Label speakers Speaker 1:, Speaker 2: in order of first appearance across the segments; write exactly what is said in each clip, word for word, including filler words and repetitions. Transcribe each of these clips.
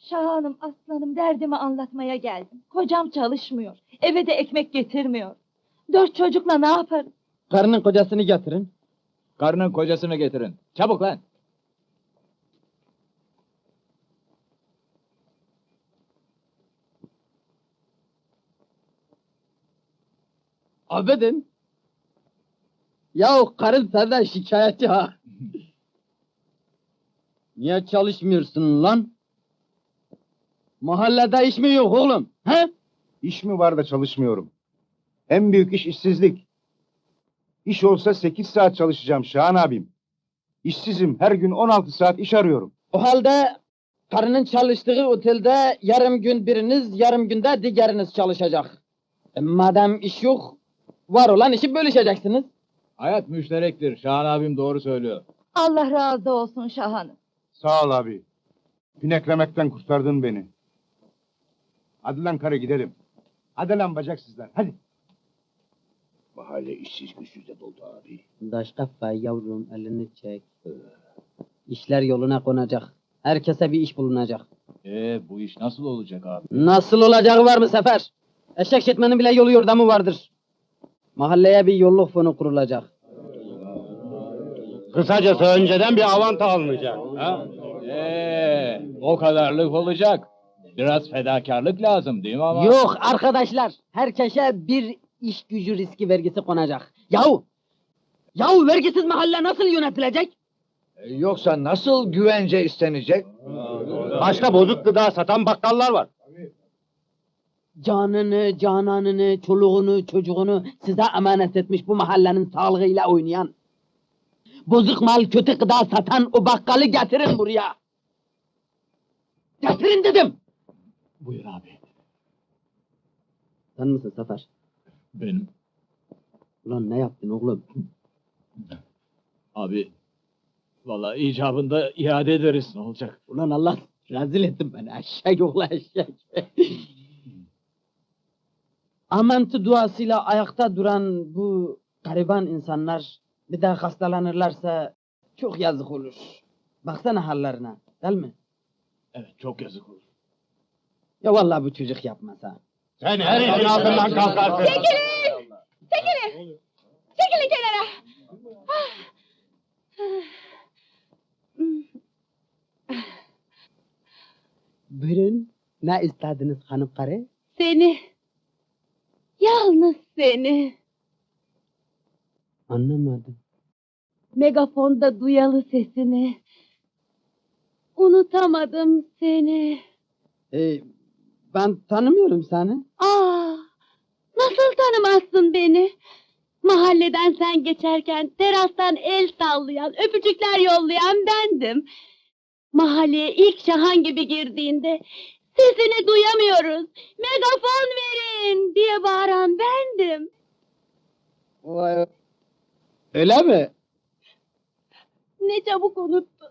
Speaker 1: Şahanım, aslanım, derdimi anlatmaya geldim. Kocam çalışmıyor, eve de ekmek getirmiyor. Dört çocukla ne yaparım?
Speaker 2: Karının kocasını getirin.
Speaker 3: Karının kocasını getirin. Çabuk lan!
Speaker 2: Abedin. Yahu karın senden şikayetçi ha. Niye çalışmıyorsun lan? Mahallede iş mi yok oğlum? He?
Speaker 4: İş mi var da çalışmıyorum? En büyük iş işsizlik. İş olsa sekiz saat çalışacağım Şahan abim. İşsizim, her gün on altı saat iş arıyorum.
Speaker 2: O halde karının çalıştığı otelde yarım gün biriniz, yarım günde diğeriniz çalışacak. E, madem iş yok, var olan işi bölüşeceksiniz.
Speaker 3: Hayat müşterektir. Şahan abim doğru söylüyor.
Speaker 1: Allah razı olsun Şahanım.
Speaker 4: Sağ ol abi. Pineklemekten kurtardın beni. Hadi lan karı gidelim. Hadi lan bacaksızlar, hadi. Mahalle işsiz güçsüzde doldu abi.
Speaker 2: Daş kafa yavrum elini çek. İşler yoluna konacak. Herkese bir iş bulunacak.
Speaker 3: Ee, bu iş nasıl olacak abi?
Speaker 2: Nasıl olacağı var mı Sefer? Eşek şetmenin bile yolu yordamı vardır. Mahalleye bir yolluk fonu kurulacak.
Speaker 5: Kısacası önceden bir avanta alınacak. Ha?
Speaker 3: Ee, o kadarlık olacak. Biraz fedakarlık lazım değil mi ama?
Speaker 2: Yok arkadaşlar, herkese bir iş gücü riski vergisi konacak. Yahu! Yahu vergisiz mahalle nasıl yönetilecek?
Speaker 5: Yoksa nasıl güvence istenecek? Başka bozuk gıda satan bakkallar var.
Speaker 2: Canını, cananını, çoluğunu, çocuğunu size emanet etmiş bu mahallenin sağlığıyla oynayan, bozuk mal, kötü gıda satan o bakkalı getirin buraya. Getirin dedim.
Speaker 3: Buyur abi.
Speaker 2: Sen misin Sefer?
Speaker 3: Benim.
Speaker 2: Ulan ne yaptın oğlum?
Speaker 3: Abi, vallahi icabında iade ederiz, ne olacak?
Speaker 2: Ulan Allah rezil ettin beni, eşek oğlu eşek. Amentü duasıyla ayakta duran bu gariban insanlar bir daha hastalanırlarsa çok yazık olur. Baksana hallerine, değil mi?
Speaker 3: Evet, çok yazık olur.
Speaker 2: Ya vallahi bu çocuk yapmaz ha.
Speaker 5: Sen her işin altından kalkarsın.
Speaker 1: Çekilin! Çekilin! Çekilin kenara!
Speaker 2: Buyurun, ne istediniz hanım karı?
Speaker 1: Seni, yalnız seni.
Speaker 2: Anlamadım.
Speaker 1: Megafonda duyalı sesini. Unutamadım seni.
Speaker 2: Ee, ben tanımıyorum seni.
Speaker 1: Aa, nasıl tanımazsın beni? Mahalleden sen geçerken terastan el sallayan, öpücükler yollayan bendim. Mahalleye ilk Şahan gibi girdiğinde sesini duyamıyoruz, megafon verin diye bağıran bendim.
Speaker 2: Vay. Öyle mi?
Speaker 1: Ne çabuk unuttun.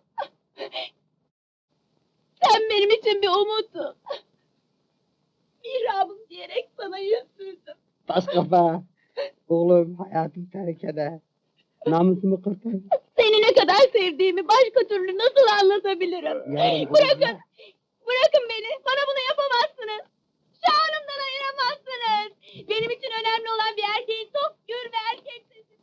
Speaker 1: Sen benim için bir umuttun. Mihrabım diyerek sana yüz sürdüm.
Speaker 2: Taş kafa. Oğlum hayatım tehlikede. Namusumu kurtar.
Speaker 1: Seni ne kadar sevdiğimi başka türlü nasıl anlatabilirim?
Speaker 2: Yavrum,
Speaker 1: Bırakın, bırakın beni. Bana bunu yapamazsınız. Şahanımdan ayıramazsınız. Benim için önemli olan bir erkeğin tok, gür ve erkek sesi.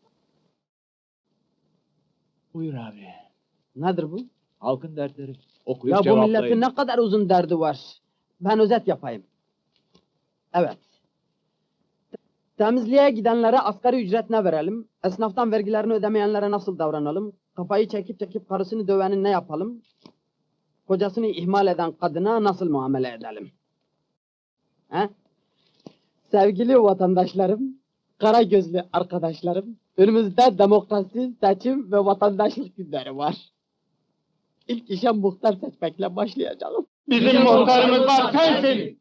Speaker 3: Buyur abi.
Speaker 2: Nedir bu?
Speaker 3: Halkın dertleri. Okuyup
Speaker 2: Ya bu
Speaker 3: cevaplayın.
Speaker 2: milletin ne kadar uzun derdi var. Ben özet yapayım. Evet. Temizliğe gidenlere asgari ücret ne verelim? Esnaftan vergilerini ödemeyenlere nasıl davranalım? Kafayı çekip çekip karısını dövenin ne yapalım? Kocasını ihmal eden kadına nasıl muamele edelim? He? Sevgili vatandaşlarım, kara gözlü arkadaşlarım, önümüzde demokrasi, seçim ve vatandaşlık günleri var. İlk işe muhtar seçmekle başlayacağım.
Speaker 5: Bizim muhtarımız var sensin.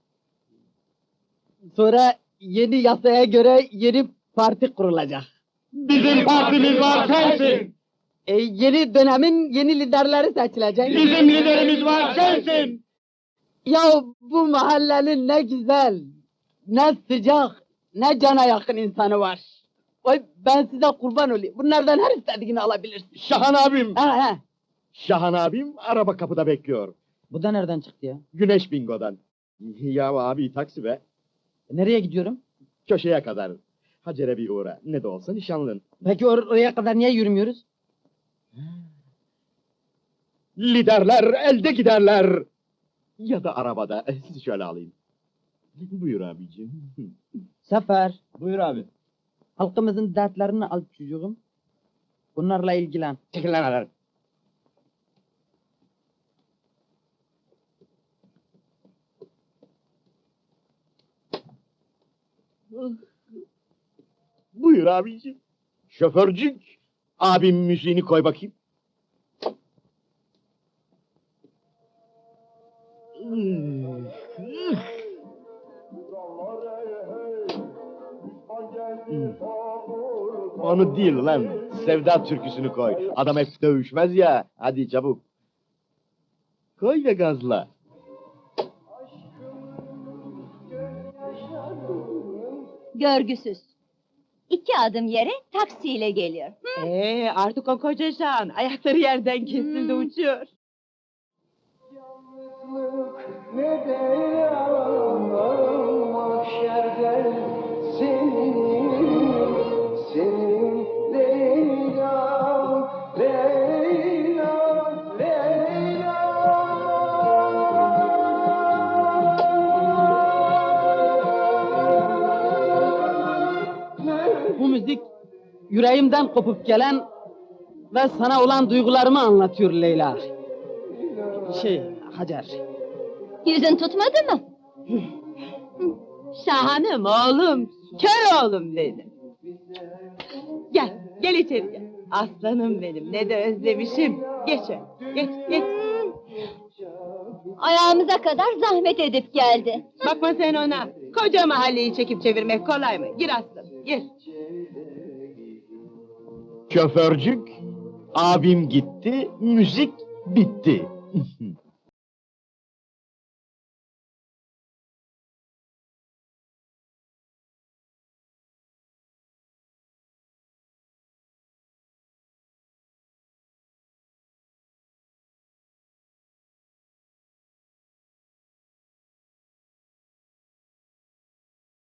Speaker 2: Sonra yeni yasaya göre yeni parti kurulacak.
Speaker 5: Bizim partimiz var sensin.
Speaker 2: E, yeni dönemin yeni liderleri seçilecek.
Speaker 5: Bizim liderimiz var sensin.
Speaker 2: Ya bu mahallenin ne güzel, ne sıcak, ne cana yakın insanı var. Oy ben size kurban olayım. Bunlardan her istediğini alabilirsin.
Speaker 5: Şahan abim.
Speaker 2: Ha ha.
Speaker 5: Şahan abim araba kapıda bekliyor.
Speaker 2: Bu da nereden çıktı ya?
Speaker 6: Güneş bingodan. Ya abi taksi be.
Speaker 2: E, nereye gidiyorum?
Speaker 6: Köşeye kadar. Hacer'e bir uğra. Ne de olsa nişanlın.
Speaker 2: Peki or- oraya kadar niye yürümüyoruz?
Speaker 6: Liderler elde giderler. Ya da arabada. Sizi şöyle alayım. Buyur abicim.
Speaker 2: Sefer,
Speaker 3: Buyur abi.
Speaker 2: halkımızın dertlerini al çocuğum. Bunlarla ilgilen.
Speaker 6: Çekil lan adam. Buyur abicim. Şoförcük. Abim müziğini koy bakayım. Onu değil lan. Sevda türküsünü koy. Adam hep dövüşmez ya. Hadi çabuk. Koy ve gazla.
Speaker 1: Görgüsüz. İki adım yere taksiyle geliyor. Hı?
Speaker 7: Ee, artık o koca şan. Ayakları yerden kesildi,
Speaker 1: Hmm.
Speaker 7: uçuyor.
Speaker 2: Bu müzik yüreğimden kopup gelen ve sana olan duygularımı anlatıyor Leyla. Şey, Hacer.
Speaker 1: Yüzün tutmadı mı?
Speaker 7: Şahanım oğlum, kör oğlum benim. Gel, gel içeri gel. Aslanım benim, ne de özlemişim. Geç öyle, geç, geç.
Speaker 1: Ayağımıza kadar zahmet edip geldi.
Speaker 7: Bakma sen ona. Koca mahalleyi çekip çevirmek kolay mı? Gir aslanım, gir.
Speaker 6: Şoförcük. Abim gitti. Müzik bitti.